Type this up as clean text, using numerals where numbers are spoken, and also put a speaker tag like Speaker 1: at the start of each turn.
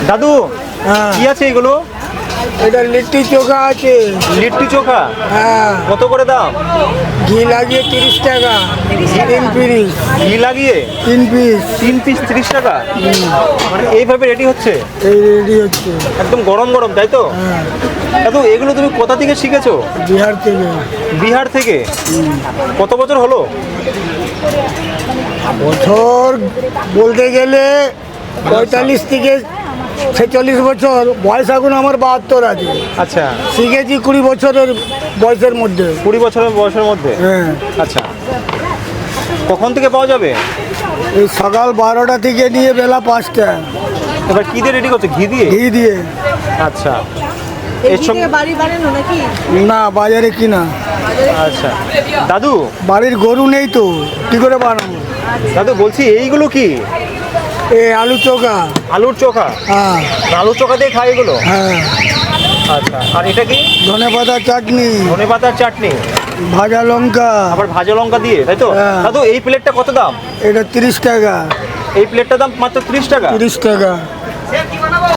Speaker 1: দাদু
Speaker 2: হ্যাঁ
Speaker 1: কি আছে এগুলো?
Speaker 2: এটা লিট্টি চোখা আছে।
Speaker 1: লিট্টি চোখা
Speaker 2: হ্যাঁ
Speaker 1: কত করে দাম?
Speaker 2: ঘি লাগিয়ে 30 টাকা, 3 পিস।
Speaker 1: ঘি লাগিয়ে
Speaker 2: 3 পিস
Speaker 1: 3 পিস 30 টাকা। মানে এইভাবে রেডি হচ্ছে
Speaker 2: এই রেডি হচ্ছে।
Speaker 1: একদম গরম গরম, তাই তো?
Speaker 2: হ্যাঁ
Speaker 1: দাদু এগুলো তুমি কোথা থেকে শিখেছো?
Speaker 2: বিহার থেকে।
Speaker 1: বিহার থেকে? কত বছর হলো?
Speaker 2: বছর বলতে গেলে 45 থেকে 46 বছর। বয়স এখন আমার 72 আছে।
Speaker 1: আচ্ছা,
Speaker 2: শিখেছি 20 বছরের বয়সের মধ্যে।
Speaker 1: 20 বছরের বয়সের মধ্যে।
Speaker 2: হ্যাঁ
Speaker 1: আচ্ছা, কখন থেকে পাওয়া যাবে?
Speaker 2: এই সকাল 12টা থেকে নিয়ে বেলা 5টা।
Speaker 1: এবার কি দিয়ে রেডি করছো? ঘি দিয়ে?
Speaker 2: ঘি দিয়ে।
Speaker 1: আচ্ছা,
Speaker 3: এই
Speaker 1: এর সঙ্গে
Speaker 3: দিকে বাড়ি বানানো নাকি?
Speaker 2: না বাজারে কিনা।
Speaker 1: আচ্ছা দাদু,
Speaker 2: বাড়ির গরু নেই তো কি করে বানাবো।
Speaker 1: দাদু বলছি এইগুলো কি?
Speaker 2: এই আলু চোখা।
Speaker 1: আলুর চোখা?
Speaker 2: হ্যাঁ
Speaker 1: আলুর চোখা দিয়ে খাই এগুলো?
Speaker 2: হ্যাঁ
Speaker 1: আচ্ছা, আর এটা কি?
Speaker 2: ধনে পাতা চাটনি,
Speaker 1: ধনেপাতার চাটনি,
Speaker 2: ভাজা লঙ্কা।
Speaker 1: আবার ভাজা লঙ্কা দিয়ে, তাই তো?
Speaker 2: হ্যাঁ।
Speaker 1: দাদু এই প্লেটটা কত দাম?
Speaker 2: এটা 30 টাকা।
Speaker 1: এই প্লেটটার দাম মাত্র 30 টাকা?
Speaker 2: 30 টাকা।